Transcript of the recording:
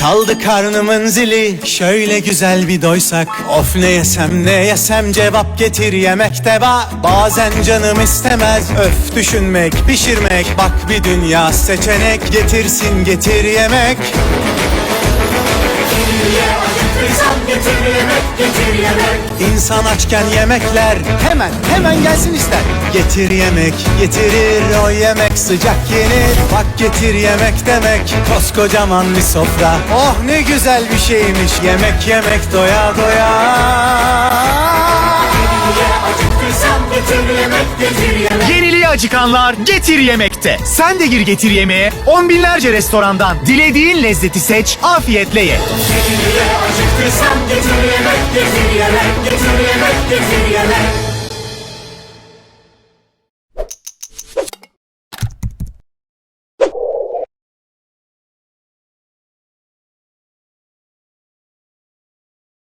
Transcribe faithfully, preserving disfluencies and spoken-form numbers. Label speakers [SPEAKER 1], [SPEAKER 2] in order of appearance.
[SPEAKER 1] Çaldı karnımın zili, şöyle güzel bir doysak. Of ne yesem ne yesem, cevap getir yemekte var. Bazen canım istemez, öf düşünmek pişirmek. Bak bir dünya seçenek, getirsin getir yemek.
[SPEAKER 2] Getir yemek, getir yemek.
[SPEAKER 1] İnsan açken yemekler hemen hemen gelsin ister. Getir yemek getirir, o yemek sıcak yenir. Bak getir yemek demek, koskocaman bir sofra. Oh ne güzel bir şeymiş, yemek yemek doya doya.
[SPEAKER 2] Acıktıysam getir yemek, getir yemek.
[SPEAKER 3] Yeniliğe acıkanlar Getir Yemek'te. Sen de gir Getir Yemeğe. On binlerce restorandan dilediğin lezzeti seç, afiyetle ye.
[SPEAKER 2] Acıktıysam getir yemek, getir yemek, getir yemek, getir yemek.